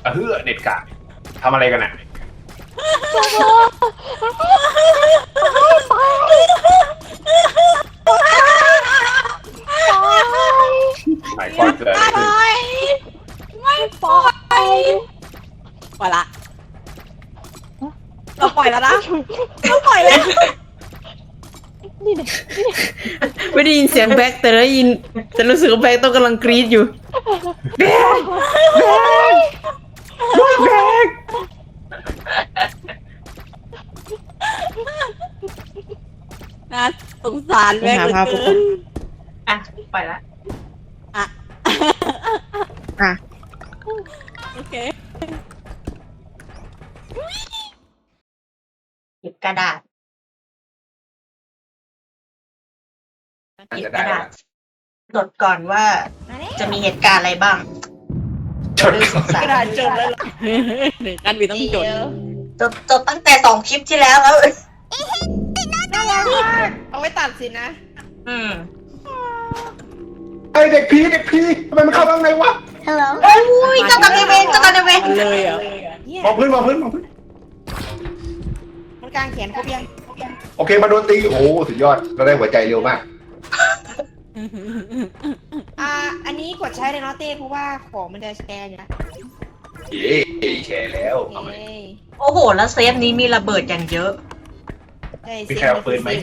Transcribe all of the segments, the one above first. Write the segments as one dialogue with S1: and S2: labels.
S1: เฮ้อเด็ดขาดทำอะไรกันอ่ะหมายความเกิดอะไรขึ้น
S2: ไม่ปล่อยปล่อยละเราปล่อยแล้วนะเราปล่อยแล้ว
S3: นี่เนี่ย
S4: ไม่ได้ยินเสียงแบ็คแต่ได้ยินแต่รู้สึกว่าแบ็คต้องกำลังกรี๊ดอยู่แบ็ค
S2: น่าสงสารแม่เหลือเกิน
S5: อ่ะปล่อยละ
S2: อ่ะ
S4: อ่ะ
S2: โอเค
S5: หยิบกระดาษหยิบกระดาษจดก่อนว่าจะมีเหตุการณ์อะไรบ้าง
S1: ชน
S2: กระดาษจดแล้วเหรอหนึ่งกันมีต้องจด
S5: จดตั้งแต่2 คลิปที่แล้ว
S2: น่ารักมากเอาไว้ตัดสินะ
S5: อืม
S1: ไอเด็กผีทำไมมันเข้าข้างในวะ
S5: อุ้ยเจ้ากรรมนายเวร
S2: เลยเหรอ
S1: มองพื้น
S2: มันกลางแขนครบยัง
S1: โอเคมาโดนตีโอ้สุดยอดเราได้หัวใจเร็วมาก
S2: อันนี้กดใช้เลยเนาะเต้เพราะว่าของมันจะแชร์อยู่นะ
S1: เย้แชร์แล้วเอาไหม
S5: โอ้โห แล้วเซฟนี้มีระเบิดอย่างเยอะ
S1: มีใครเอาปืนไหม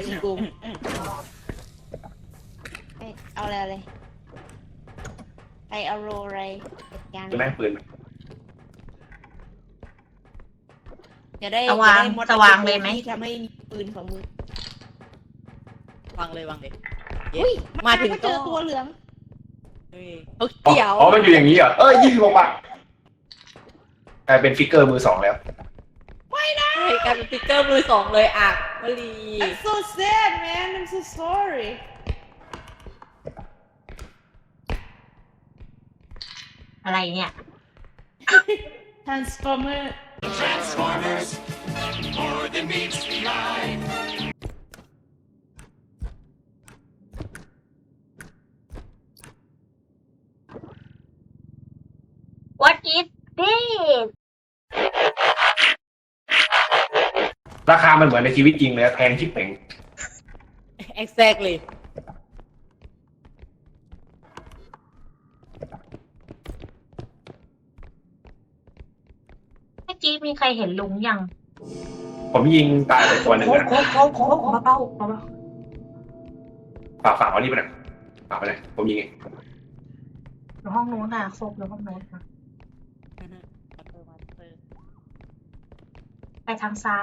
S2: เอาเลยไปเอาโรอะไรอย่าง
S1: จะแม่งปืน
S2: จะได้
S5: สว่างสว่างเลยไหม
S2: ที่ทำให้มีปืนของมือวางเลยอุ้ยมาถึงเจอตัวเหลืองเกี่ยว
S1: อ๋อมันอยู่อย่างนี้เหรอ26 บาทกลายเป็นฟิกเกอร์มือ 2แล้ว
S2: ใช่กลายเป็นสติ๊กเกอร์มือ 2เลยอ่ะมะลี I'm so sad man I'm so sorry
S5: อะไรเนี่ย
S2: Transformer
S6: more than meets the eye.
S5: What is this
S1: ราคามันเหมือนในชีวิตจริงเลยแพงชิบเป่ง
S2: exactly
S5: เมื่อกี้มีใครเห็นลุงยัง
S1: ผมยิงตายไปตัวหนึ่งนะ
S5: โค้งเบา
S1: ฝากเอานี่ไปหน่อยฝากไปหน่อยผมยิงเอง
S5: ๆอยู่ห้องนู้นน่ะโค้งอยู่ห้องนู้นนะไปทางซ้าย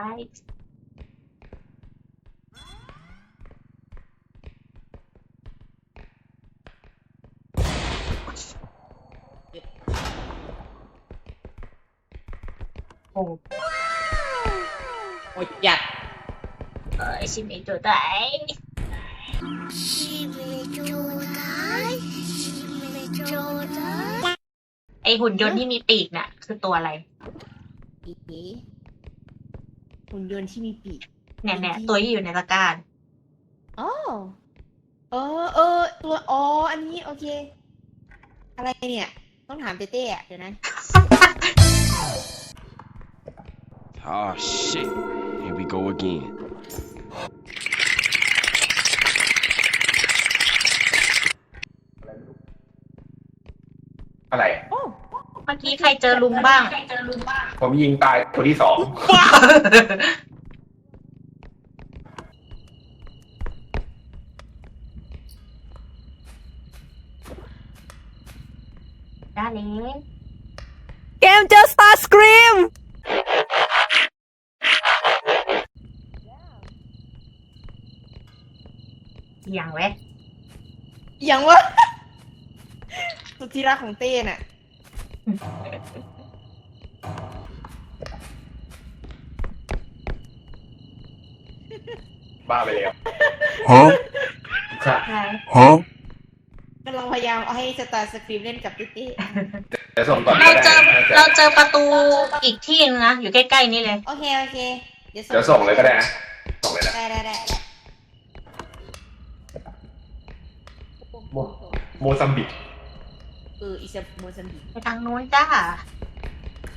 S5: โอ้
S2: โอ้ยหยัด
S5: ชิมเองตัวไหนไอหุ่นยนต์ที่มีปีกน่ะ คือตัวอะไร
S2: หุ่นยนต์ที่มีปีก
S5: เนี่ยตัวที่อยู่ในตะกร้า
S2: อ๋อตัวอันนี้โอเค อะไรเนี่ย ต้องถามเต้ๆอ่ะเดี๋ยวนะ
S6: Oh shit. Here we go again.
S1: อะไร
S2: โอ้
S5: เมื่อกี้ใครเจอลุงบ้าง
S1: ผมยิงตายตัวที่ 2
S5: ได้เลย
S4: เกมเจอสตาร์สกรีม
S5: อย่างเว้ย
S2: อย่างวะ สุดที่รักของเต้น่ะ
S1: บ้าไปแล้ว
S6: Huh?
S1: ครับ
S5: อะไร
S6: Huh?
S2: กำลังพยายามเอาให้สตาร์สครีมเล่นกับเต้
S1: จะส่งก่อน
S5: เราเจอประตูอีกที่นึงนะ อยู่ใกล้ๆนี่เลย
S2: โอเค
S1: เดี๋ยวส่งเลยก็ได้นะส่งเลยนะ
S2: ได้
S1: โมซัมบิก
S2: อิซาโมซัมบิก
S5: ไปทางนู้นจ้า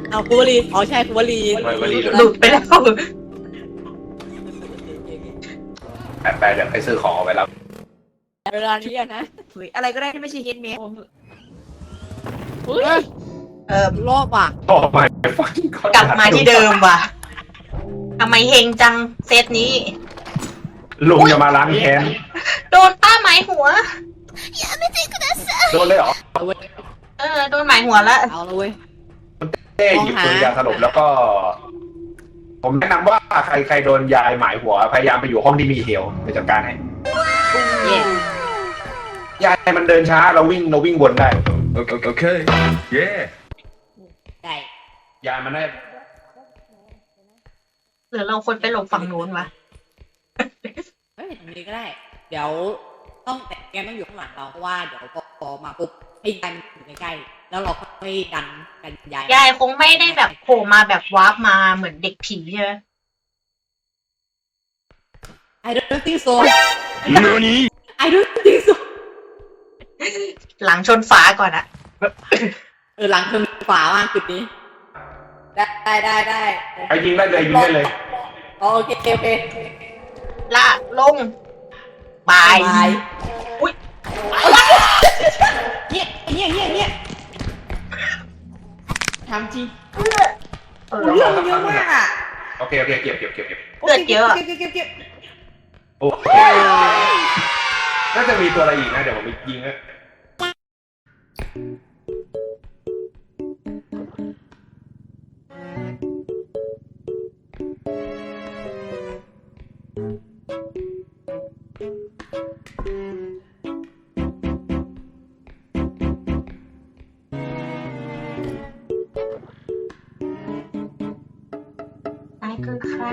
S2: เอาคูวลีอ๋อใช่คูวลี
S1: วลี
S5: หลุดไปแล้ว
S1: ไปเดี๋ยวไปซื้อของเอาไปแล้ว
S2: เวลานี้อะนะ
S5: เฮ้ยอะไรก็ได้ที่ไม่ใช่เฮดเมด
S2: เฮ้ยรอบอ่ะ
S1: โอ้ไม่
S5: กลับมาที่เดิมว่ะทำไมเฮงจังเซตนี้
S1: ลุงจะมาล้างแค้น
S5: โดนป้าหมายหัว
S1: โดนเลยเหรอ
S2: เอาเว้ย
S5: โดนหมายหัวแล้ว
S2: เอาละเว้ย
S1: เต้หยิบปืนยาสลบแล้วก็ ผมแนะนำว่าใครโดนยายหมายหัวพยายามไปอยู่ห้องที่มีเฮลไปจัดการให้
S2: เย่
S1: ยายมันเดินช้าเราวิ่งวนได้
S6: Okay. Yeah.
S2: ได้
S1: ยายมันได้
S5: หรือเราควรไปหลบฝั่งนู้นวะ
S2: เฮ้ยตรงนี้ก็ได้ เดี๋ยวต้องแต่แกต้องอยู่ข้างหลังเราเพราะว่าเดี๋ยวพอมาปุ๊บให้ยายมันอยู่ใกล้ๆแล้วเราก็ไม่ดันยาย
S5: ยายคงไม่ได้แบบโผล่มาแบบวาร์ปมาเหมือนเด็กผีใช่ไหม
S2: I don't think so
S6: Nani?
S2: I don't think so
S5: หลังชนฝาก่อนอะ
S2: หลังเธอมีฝามากจุดนี้ ได้
S1: ใครยิงได้เลยยิงได้เลย
S2: โอเค
S5: ละลงบาย อุ้ย
S2: เนี่ยทำจริง
S1: เรื่องเยอะมากอ่ะโอเคเก็บ
S5: เลือดเยอะอะ
S2: เก็บ
S1: โอเคน่าจะมีตัวอะไรอีกนะเดี๋ยวผมไปยิงนะ
S5: นายคือใคร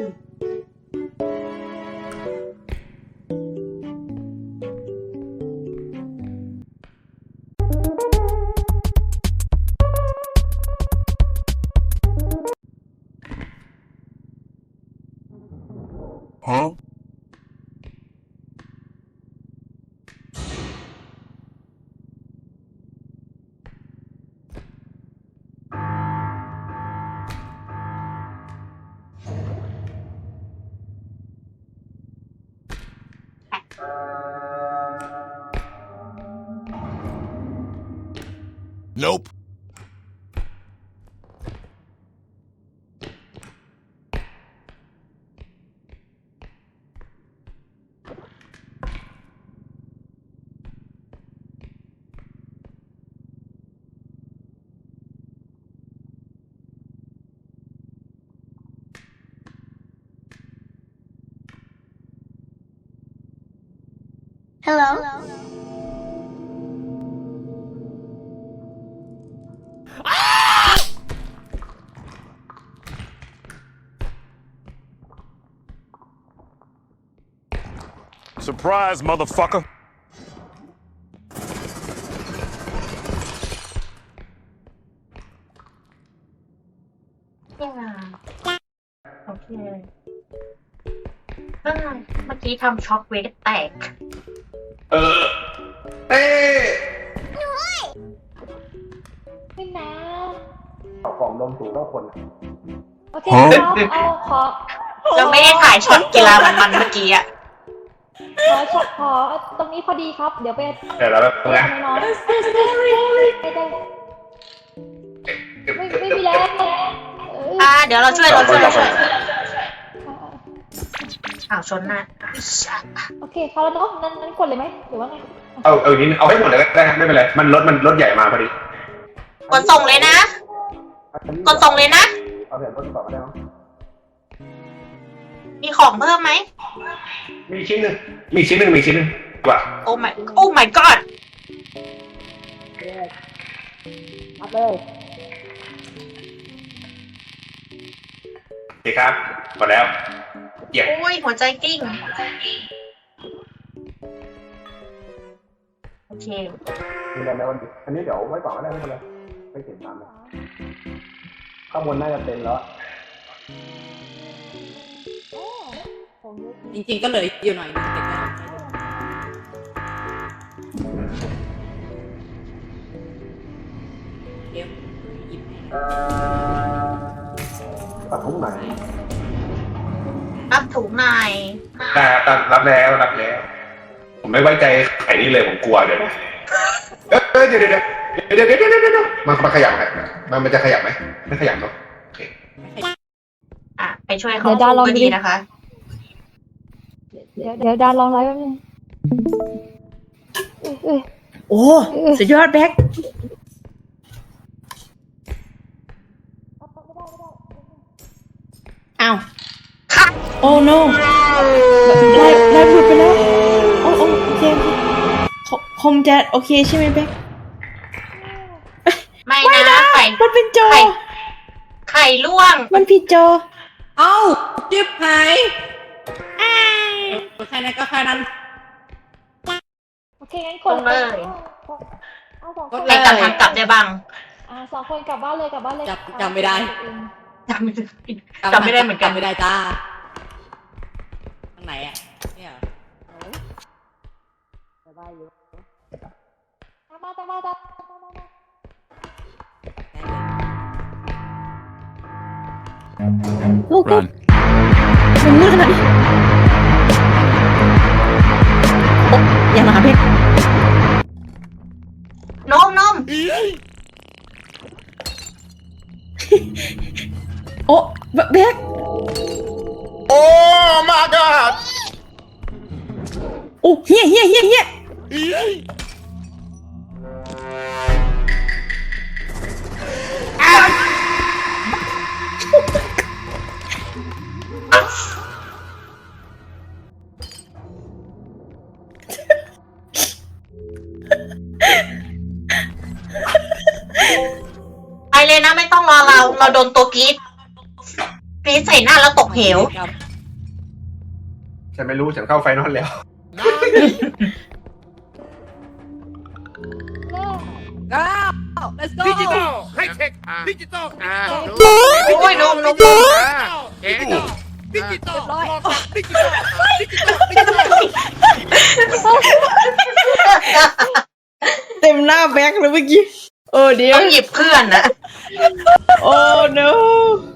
S6: Huh? Nope.
S3: Hello.
S6: Surprise, motherfucker.
S5: โอเคเมื่อกี้ทำช็อกเวทแตก
S1: เต้
S3: ไม่นะ
S1: เอาของลมสูงต้องคน
S3: โอเคครับเอาขอ
S5: เราไม่ได้ถ่ายช็อตกีฬามันๆเมื่อกี้อะ
S3: ช็อตขอตรงนี้พอดีครับ เดี๋ยวไป
S1: เดี๋ยวเราแบบนะ
S3: น้อยไม่มีแล้ว
S5: เดี๋ยวเราช่วยอ้าวชนหน้า
S3: โอเคพอแล้วเนาะนั้นกดเลยไหมหรือว่าไง
S1: เอานิดเอาให้หมดเลยก็ได้ไม่เป็นไรมันรถใหญ่มาพอดี
S5: กดส่งเลยนะ กดส่งเลยนะ
S1: เอาแบบรถต่อมาได้ไหม
S5: มีของเพิ่มไหม
S1: มีชิ้นหนึ่งว่ะ
S5: โอ้ my god
S3: รับเลย
S1: โอเคครับหมดแล้วเยี่ยม
S5: โอ้ยหัวใจกิ้ง โอเค
S1: มีอะไรไหมวันนี้อันนี้เดี๋ยวไว้ก่อนก็ได้ไม่เป็นไรไม่เก็บตามเลยข้างบนน่าจะเต็มแล้ว
S2: จริงๆก็เหลยอยู่หน่อยนึงแต่ก็เดี๋ยวหยิบให้
S1: ตัดทุกไหน
S5: รับถุงหน่อย
S1: รับแล้วผมไม่ไว้ใจไข่นี่เลยผมกลัวเดี๋ยวเดี๋ยวมันขยับไหมมันจะขยับไหมไม่ขยับเนาะโอเค
S5: อ่ะไปช่วยเขาก็ดีนะคะ
S3: เดี๋ยวดานลองไลฟ์แป๊บนึงเอ้ย
S4: โอ้สุดยอดแบ็คอ้าวโอ้ no ไลฟ์หลุดไปแล้วโอ้โอเคคมจะโอเคใช่ไหมแบ็ค
S5: ไม่นะไข่
S4: มันเป็นโจ
S5: ไข่ล่วง
S4: มันผิดโจ
S2: เอ้าจิบหายแค่นั้นก็แค่นั้น
S3: โอเคงั้นก
S5: ล
S3: ด
S5: งเลย
S3: เอาสองคน
S2: กด
S5: ใคร
S2: เลย
S5: ตัดทางกลับได้บ้าง
S3: สองคนกลับบ้านเลย
S2: จำไม่ได้
S5: จำไม่ได้เหมือนกัน
S2: จำไม่ได้จ้าทางไหนอ่ะเนี่ยเหรอไปบ้านอยู่
S3: ตามมา
S4: ลูก
S6: Run.
S4: มันมืดขนาดนี้โอ้อย่ามาหาเพชร
S5: นม
S4: โอ้แบ็ค
S1: Oh my god
S4: โอ้เฮีย
S5: ไปเลยนะไม่ต้องรอเราโดนตัวกรีดใส่หน้าแล้วตกเหว
S2: ครับ
S1: ฉันไม่รู้ฉันเข้าไฟนอลแล้ว
S2: go let's go
S7: ดิจิตอลไฮเทคดิจิตอล
S5: โอ้ยนม
S7: เอ็นดิจิตอล
S2: เรียบร้อย
S7: ดิจิตอลดิจิตอลดิจิตอล
S4: เต็มหน้าแบ็คเลยเมื่อกี้โอ้เดี๋ยว
S5: ต้องหยิบเพื่อนนะ
S4: โอ้ no